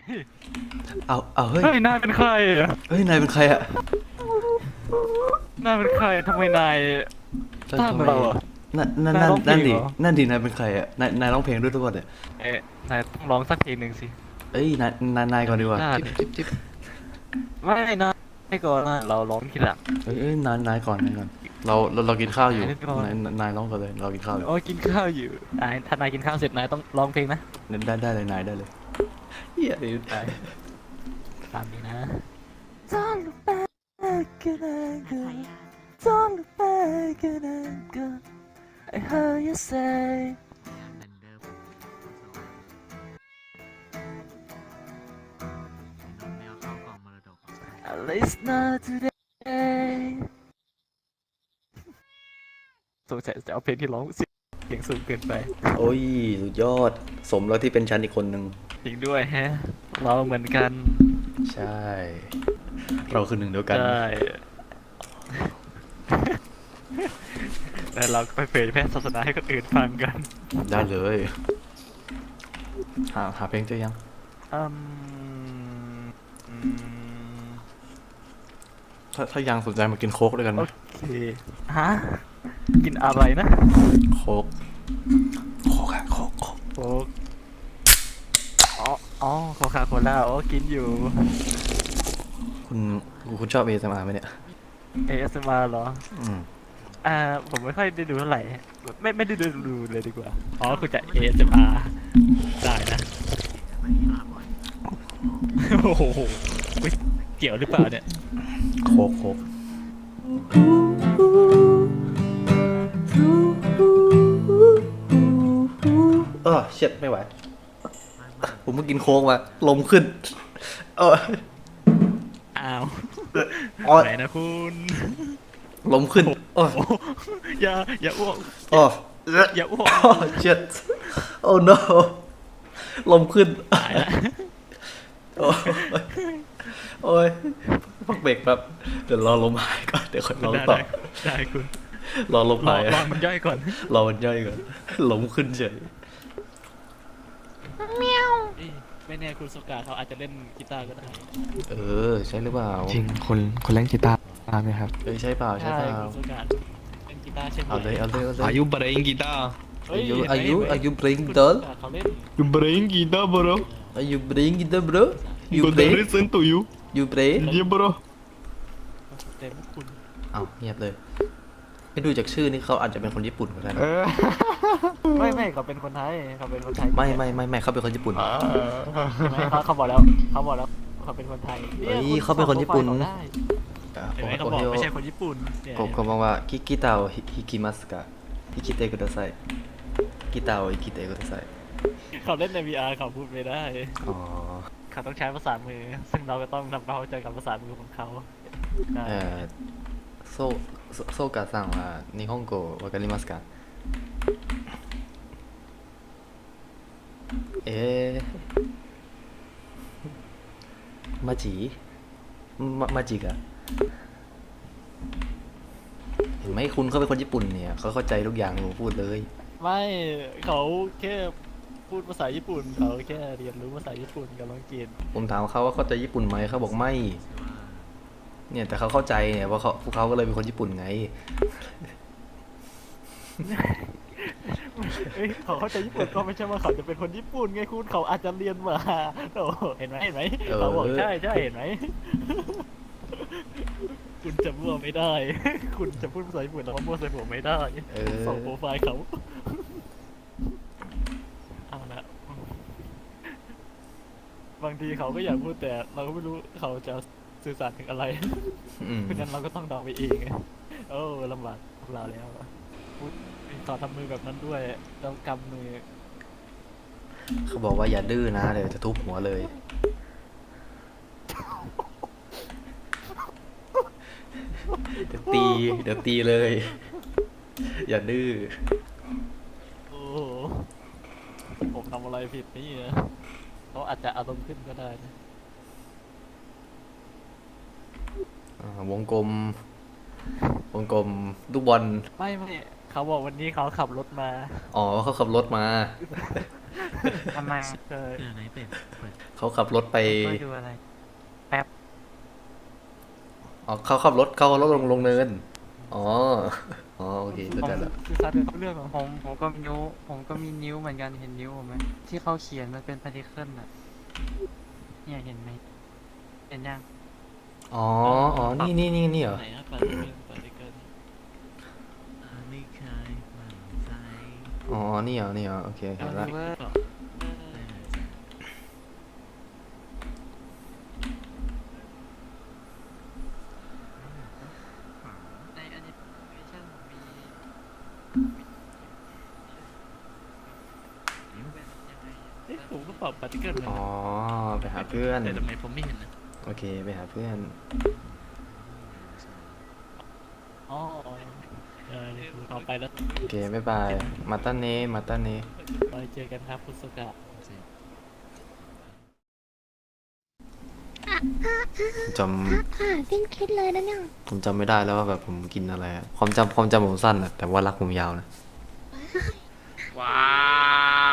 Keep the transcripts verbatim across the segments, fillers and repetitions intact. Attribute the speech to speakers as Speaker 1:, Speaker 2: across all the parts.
Speaker 1: เอาเอาเฮ้ย
Speaker 2: เฮ้ยนายเป็นใครอะ
Speaker 1: เฮ้ยนายเป็นใครอะ
Speaker 2: นายเป็นใครทำไมนาย
Speaker 1: ทำ
Speaker 2: ตาม
Speaker 1: ทำไม
Speaker 2: เราอะ
Speaker 1: นั่นนั่น
Speaker 2: นาย
Speaker 1: นั่น
Speaker 2: ร้องเพล
Speaker 1: นั่นดิ
Speaker 2: งเหรอ
Speaker 1: นั่นดินายเป็นใครอะนายนายร้องเพลงด้วยทุกคนเนี่ย
Speaker 2: เอ๊ะนายต้องร้องสักเพลงหนึ่งสิ
Speaker 1: เอ้ยนายนายนายก่อนดีกว่า
Speaker 2: ได้
Speaker 1: จิ๊บจิ๊บจิ๊บ
Speaker 2: ไม่นะไม่ก่อนนะเราร้องทีหลัง
Speaker 1: เอ้ยเอ้ยนายนายก่อนนายก่อนเราเราเรากินข้าวอยู่
Speaker 2: นายก่อน
Speaker 1: นายนายร้องก่อนเลยเรากินข้าวอยู่
Speaker 2: โอ้ยกินข้าวอยู่นายถ้านายกินข้าวเสร็จนายต้องร้องเพลงนะ
Speaker 1: ได้ได้เลยนายได้เลยเฮีย
Speaker 2: ได้ตามนี้นะ Don't look back at anger Don't look back at anger I heard you say At least not today สงสัยจะเอาเพลงที่ร้องเสียงสูงเกินไป
Speaker 1: โอ้ยสุดยอดสมแล้วที่เป็นฉันอีกคนหนึ่ง
Speaker 2: จริงด้วยแฮะเราเหมือนกัน
Speaker 1: ใช่เราคือหนึ่งเดียวกัน
Speaker 2: ใช่แต่เราก็ไปเผยแพร่ศาสนาให้คนอื่นฟังกัน
Speaker 1: ได้เลยหาหาเพลงเจอยัง
Speaker 2: อืมอืม
Speaker 1: ถ้าถ้ายังสนใจมากินโค้กด้วยกันไหม
Speaker 2: โอเคฮะกินอะไรนะ
Speaker 1: โค้กโค้กอะโค้กโค้ก
Speaker 2: โอ้อ๋ออ๋อโคคาโคล่าโอ้กินอยู่
Speaker 1: คุณคุณชอบเอสเอ็มอาร์ไหมเนี่ย
Speaker 2: เอ เอส เอ็ม อาร์ เหรอ
Speaker 1: อืม
Speaker 2: อ่าผมไม่ค่อยได้ดูเท่าไหร่ไม่ไม่ได้ดูดูเลยดีกว่าอ๋อคุณจะ เอ เอส เอ็ม อาร์ ได้นะโอ้โหอุ๊ยเกี่ยวหรือเปล่าเนี่ย
Speaker 1: โค้กโค้กเออเช็ดไม่ไหวผมเพิ่งกินโค้กมาลมขึ้นเออ
Speaker 2: อ้าว
Speaker 1: อ๋อ
Speaker 2: ไหนนะคุณ
Speaker 1: ลมขึ้นโอ้
Speaker 2: โอ้อย่าอย่าอ้วก
Speaker 1: โอ้
Speaker 2: อย่าอ้วก
Speaker 1: โอ้เช็ดโอ้ no ลมขึ้น
Speaker 2: ตายละ
Speaker 1: โอ้ยโอ้ยพักเบรกแป๊บเดี๋ยวรอลมหายก่อนเดี๋ยวค่อยร้อง
Speaker 2: ได้
Speaker 1: ต่อ
Speaker 2: ได้ได้คุณ
Speaker 1: รอลม
Speaker 2: รอ
Speaker 1: หาย
Speaker 2: รอมันย่อยก่อน
Speaker 1: รอมันย่อยก่อนลมขึ้นเฉย
Speaker 2: เอ้ยไม่แน่คุณสกาเขาอาจจะเล่นกีตาร์ก็ได้
Speaker 1: เออใช่หรือเปล่า
Speaker 3: จริงคนคนเล่นกีตาร์ไหมครับ
Speaker 1: เออใช่เปล่าใช่
Speaker 2: ใช่
Speaker 1: เปล่า
Speaker 2: คุณสกาเล่นกีตาร์ใช่ไหม
Speaker 1: เอาเลยเอาเลยเอาเลย
Speaker 3: Are you playing guitar
Speaker 2: เฮ้ย
Speaker 1: อายุ
Speaker 2: เห็นไหม
Speaker 1: อายุ
Speaker 2: เห็นไหม
Speaker 1: อายุ playing
Speaker 2: คุณ
Speaker 1: doll
Speaker 2: สกาเขาเล่น
Speaker 3: You playing guitar bro
Speaker 1: are you playing guitar bro you
Speaker 3: Good
Speaker 1: play
Speaker 3: listen to you
Speaker 1: you play
Speaker 3: Yeah bro
Speaker 2: เต็มคุณ
Speaker 1: อ้าวเงียบเลยไม่ดูจากชื่อนี่เขาอาจจะเป็นคนญี่ปุ่นก็ได้นะ
Speaker 3: เออ
Speaker 2: ไม่ไม่เขาเป็นคนไทยเขาเป็นคนไทย
Speaker 1: ไม่ไม่ไม่ไม่เขาเป็นคนญี่ปุ่น
Speaker 2: ใช่ไหมเขาเขาบอกแล้วเขาบอกแล้วเขาเป็นคนไทย
Speaker 1: เฮ้ย
Speaker 2: ย
Speaker 1: เขาเป็นคนญี่ปุ่น
Speaker 2: เขาได้
Speaker 1: อ่ะ
Speaker 2: เห็นไหม
Speaker 1: โอ
Speaker 2: เขาบอก
Speaker 1: โอ
Speaker 2: ไม่ใช่คนญี่ปุ่นเนี่ย
Speaker 1: ผมเขาบอกว่ากิกีตาโอฮิกิมัสกะฮิกิเตะกุดาไซกีตาโอฮิกิเตะกุดาไซ
Speaker 2: เขาเล่นใน วี อาร์ เขาพูดไม่ได้
Speaker 1: อ๋อ
Speaker 2: เขาต้องใช้ภาษามือ ซึ่งเราก็ต้องทำความเข้าใจกับภาษามือของเขาได้
Speaker 1: เอ่อโซโซโซกะซังว่านิฮงโกวาการิมัสกะเอ๊ะมาจิมามาจิกะเห็นไหมคุณเขาเป็นคนญี่ปุ่นเนี่ยเขาเข้าใจทุกอย่างที่ผมพูดเลย
Speaker 2: ไม่เขาแค่พูดภาษาญี่ปุ่นเขาแค่เรียนรู้ภาษาญี่ปุ่นกับอังกฤษ
Speaker 1: ผมถามเขาว่าเข้าใจญี่ปุ่นไหมเขาบอกไม่ เนี่ยแต่เขาเข้าใจเนี่ยเพราะเขาพวกเขาก็เลยเป็นคนญี่ปุ่นไง
Speaker 2: เอ้ยเขาเข้าใจญี่ปุ่นก็ไม่ใช่ว่าเขาจะเป็นคนญี่ปุ่นไงคุณเขาอาจจะเรียนมาโอ้เห็นไหมเห็นไหม
Speaker 1: เออ
Speaker 2: เขาบอกใช่ใช่เห็นไหมคุณจะมั่วไม่ได้ คุณจะพูดภาษาญี่ปุ่นแล้วมามั่วใส่ผมไม่ได้
Speaker 1: เออ
Speaker 2: ส่งโปรไฟล์เขาเอาละบางทีเขาก็อยากพูดแต่เราก็ไม่รู้เขาจะสื่อสารถึงอะไร
Speaker 1: อืม
Speaker 2: เพราะฉะนั้นเราก็ต้องเดาไปเองไงโอ้ลำบากพวกเราแล้วพูดต่อทำมือแบบนั้นด้วยต้องกำมือ
Speaker 1: เขาบอกว่าอย่าดื้อนะเดี๋ยวจะทุบหัวเลย เดี๋ยวตี เดี๋ยวตีเลย อย่าดื้อ
Speaker 2: โอ้โหผมทำอะไรผิดนี่นะเขาอาจจะอารมณ์ขึ้นก็ได้นะ
Speaker 1: อ่าวงกลม วงกลมลูกบอล
Speaker 2: ไม่ไม่เขาบอกวันนี้เขาขับรถมา
Speaker 1: อ๋อเขาขับรถมา
Speaker 2: ทำไมเออ
Speaker 4: เออไหนเป็ดเปิด
Speaker 1: เขาขับรถไป
Speaker 2: ไม่ดูอะไร
Speaker 1: อ๋อเขาขับรถเขาขับรถลงลงเนินอ๋ออ๋อโอเคเข้า
Speaker 2: ผม
Speaker 1: ใจแล้ว
Speaker 2: คือซัดเรื่องของผมผมก็นิ้วผมก็มีนิ้วเหมือนกันเห็นนิ้วผมไหมที่เขาเขียนมันเป็นพาร์ติเคิลน่ะเนี่ยเห็นไหมเห็นยัง
Speaker 1: อ๋ออ๋อนี่นี่นี่นี่เหรอ
Speaker 4: ไหนครับเปิดเกินเปิดเกินอ่าไม่เคยมั่นใจ
Speaker 1: อ๋อนี่เหรอนี่เหรอโอเคเห็นแล้ว
Speaker 2: เวอร์
Speaker 4: ก็ไม่มั่นใจ
Speaker 2: ในแอนิเมชั่นผมมีเป็นยังไง
Speaker 4: เอ๊ะผมก็ตอบปฏิเกิลเหมือน
Speaker 1: อ๋อ
Speaker 4: กัน
Speaker 1: ไปหาเพื่อน
Speaker 4: แต่ทำไมผมไม่เห็นนะ
Speaker 1: โอเคไปหาเพื่อน
Speaker 4: อ๋อเออนี่คือต่อไปแล้ว
Speaker 1: โอเคบ๊ายบายมาตันเนมาตันเน
Speaker 4: ไปเจอกันครับคุณสุกะ
Speaker 1: จ
Speaker 5: ค่ะสิ้นคิดเลยนะเนี่ย
Speaker 1: ำผมจำไม่ได้แล้วว่าแบบผมกินอะไรอะความจำความจำผมสั้นอะแต่ว่ารักผมยาวนะ
Speaker 4: ว้าว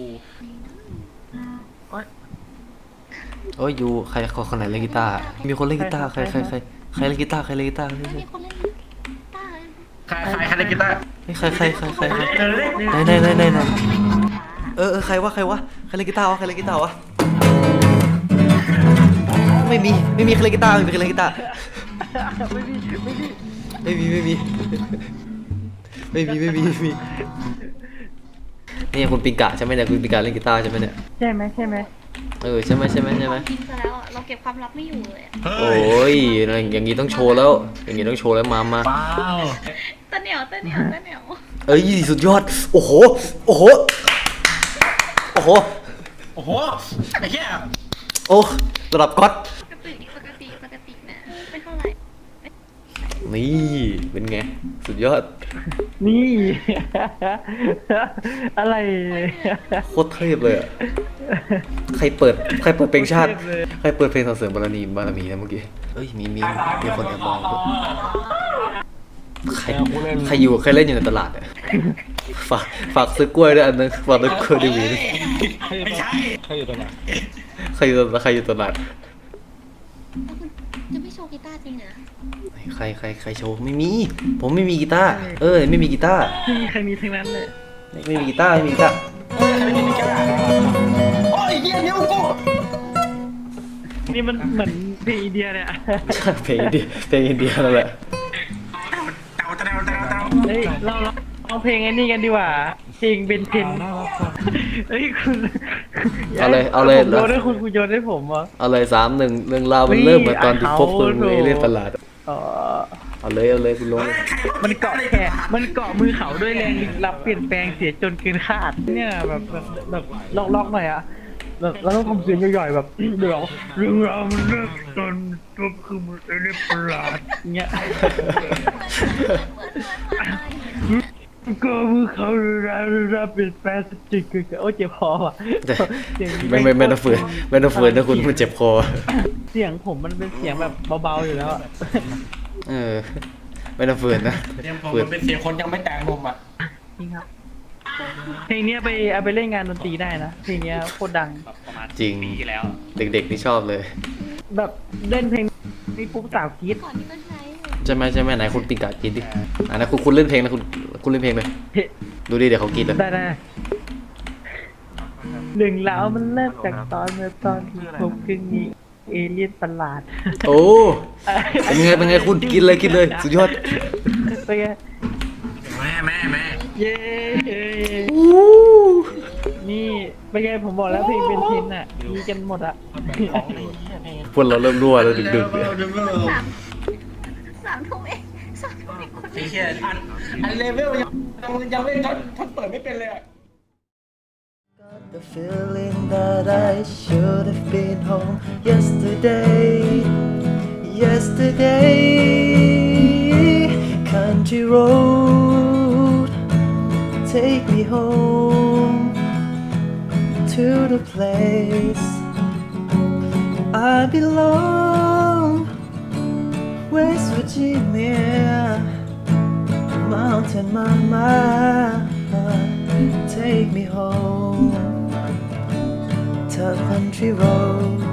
Speaker 1: โอ้ยยูใครคนคนไหนเล่นกีตาร์มีคนเล่นกีตาร์ใครใครใครใครเล่นกีตาร์ใครเล่นกีตาร์
Speaker 5: ไม่มีคนเล่นกีตาร์
Speaker 3: ใครใครใครเล่นกีตาร์
Speaker 1: ใครใครใครใครใครไหนไหนไหนไหนไหนเออเออใครวะใครวะใครเล่นกีตาร์วะใครเล่นกีตาร์วะไม่มีไม่มีใครเล่นกีตาร์ไม่มีใครเล่นกีตาร์ไม่มีไม่มีไม่มีไม่มีไม่มีนี่คุณปิงกะใช่ไหมเนี่ยคุณปิงกะเล่นกีตาร์ใช่ไหมเนี่ย
Speaker 2: ใช่ไหมใช่ไหม
Speaker 1: เออใช่ไหมใช่ไหมใช่ไหม
Speaker 5: กินซะแล้วอ่ะ เราเก็บความลับไม่อยู่เลยอะ
Speaker 1: โอ้ยอย่างนี้ต้องโชว์แล้ว อย่างนี้ต้องโชว์แล้วมามา
Speaker 3: ว้าว
Speaker 5: ตะเหนียวตะเหนียวตะเหนียว
Speaker 1: เอ้ยสุดยอดโอ้โหโอ้โหโอ้โห
Speaker 3: โอ้โหไอ้เหี้ย
Speaker 1: โอ้ระดับก๊อต
Speaker 5: ปกติปกติปกตินะไม่เท่าไหร่
Speaker 1: นี่เป็นไงสุดยอด
Speaker 2: นี่ อะไร
Speaker 1: โคตรเทพเลยอะใครเปิดใครเปิดเพลงชาติใครเปิดเพลงสรรเสริญบารมีบารมีนะเมื่อกี้เอ้ยมีมีมีคนแอบมองด้วยใครใครอยู่ใครเล่นอยู่ในตลาดอะฝากฝากซื้อกล้วยด้วยอันนึงฝากซื้อกล้วยดีวีด้วย
Speaker 3: ไม่ใช่
Speaker 1: ใครอยู่ตลาดใครอยู่ใครอยู่ตลาด
Speaker 5: แล้วคุณจะไม่โชว์กีตาร์จริงเหรอ
Speaker 1: ใครใครใครโชว์ไม่มี ผมไม่มีกีตาร์เออไม่มีกีตาร์
Speaker 2: ไม่มีใครมีทั้งนั้นเลย
Speaker 1: ไม่ไม่มีกีตาร์ไม่มีกีตาร์
Speaker 3: โอ้ยเหี้ยนิ้วกู
Speaker 2: นี่มันเหมือนเพลงอินเดียเลยอะ
Speaker 1: เพลงอินเดียเพลงอินเดียนั่นแหละ
Speaker 3: เต่าเต่าเต่าเต่า
Speaker 2: เฮ้ยเราเราร้องเพลงไอ้นี่กันดีกว่าเพลงเบนเทนเฮ้ยคุณ
Speaker 1: เอาเลยเอาเลย
Speaker 2: ผมโยนให้คุณคุณโยนให้ผมเหรอ
Speaker 1: เอาเลยสามหนึ่งเรื่องราวมัน
Speaker 2: นี่
Speaker 1: เริ่มมาตอนที่พบ
Speaker 2: เอา
Speaker 1: คุณ
Speaker 2: โถ่
Speaker 1: เอเลี่ยนประหลาด
Speaker 2: อ๋อ
Speaker 1: เอาเลยเอาเลยคุณลง
Speaker 2: มันเกาะแขนมันเกาะมือเขาด้วยแรงลึกลับเปลี่ยนแปลงเสียจนเกินคาดเนี่ยแบบแบบแบบล็อกๆหน่อยอะแบบเราต้องทำเสียงย่อยๆแบบ เดี๋ยวเรื่องราวมันเริ่มจนจบคือมันเอเลี่ยนประหลาดเงี้ย ก็มือเขารับรับเป็นแปดสิบจิกคือโอ้เจ็บคอว่ะ
Speaker 1: แต่ไม่ไม่ไม่ต้องฝืนไม่ต้องฝืนนะคุณมันเจ็บคอ
Speaker 2: เสียงผมมันเป็นเสียงแบบเบาๆอยู่แล้วอะ
Speaker 1: เออไม่ต้องฝืนนะ
Speaker 3: เสียงผม
Speaker 1: ฝืน
Speaker 3: มันเป็นเสียงคนยังไม่แต่งนมอ่ะ
Speaker 2: จริงครับเพลงเนี้ยไปเอาไปเล่นงานดนตรีได้นะเพลงเนี้ยโคตรดัง
Speaker 4: ประมาณ
Speaker 1: จริง
Speaker 4: ปีที่แล้ว
Speaker 1: เด็กๆนี่ชอบเลย
Speaker 2: แบบเล่นเพลงนี้ปุ๊บสาวกรี๊ด
Speaker 5: ก่อนที่ก็ใช้อยู่
Speaker 1: ใช่ไหมใช่ไหมไหนคุณปิงกากินดิอ่ะนะคุณคุณเล่นเพลงนะคุณคุณเล่นเพลงเลย
Speaker 2: เฮ้
Speaker 1: ดูดิเดี๋ยวเขากินเลย
Speaker 2: ได้ได้เรื่องราวมันเริ่มจากตอนเมื่อตอนที่ผมคือมีเอเลี่ยนประหลาด
Speaker 1: โอ้เป็นไงเป็นไงคุณกินเลยกินเลยสุดยอด
Speaker 2: เป็นไง
Speaker 3: แม่แม่แม่
Speaker 2: เย้นี่เป็นไงผมบอกแล้วเพลงเป็นทินอ่ะมีกันหมดอ่ะ
Speaker 1: พวกเราเริ่มรั่วแล้วดึกๆเนี่ย
Speaker 5: สามสามทุ่มเองสามทุ่มเองคน
Speaker 3: ไอ้เหี้ยอันอันเลเวลยังยังไม่ท่านท่านเปิดไม่เป็นเลยอ่ะ
Speaker 1: The feeling that I should have been home yesterday, yesterday. Country road, take me home to the place I belong. West Virginia, Mountain Mama, take me home. a country road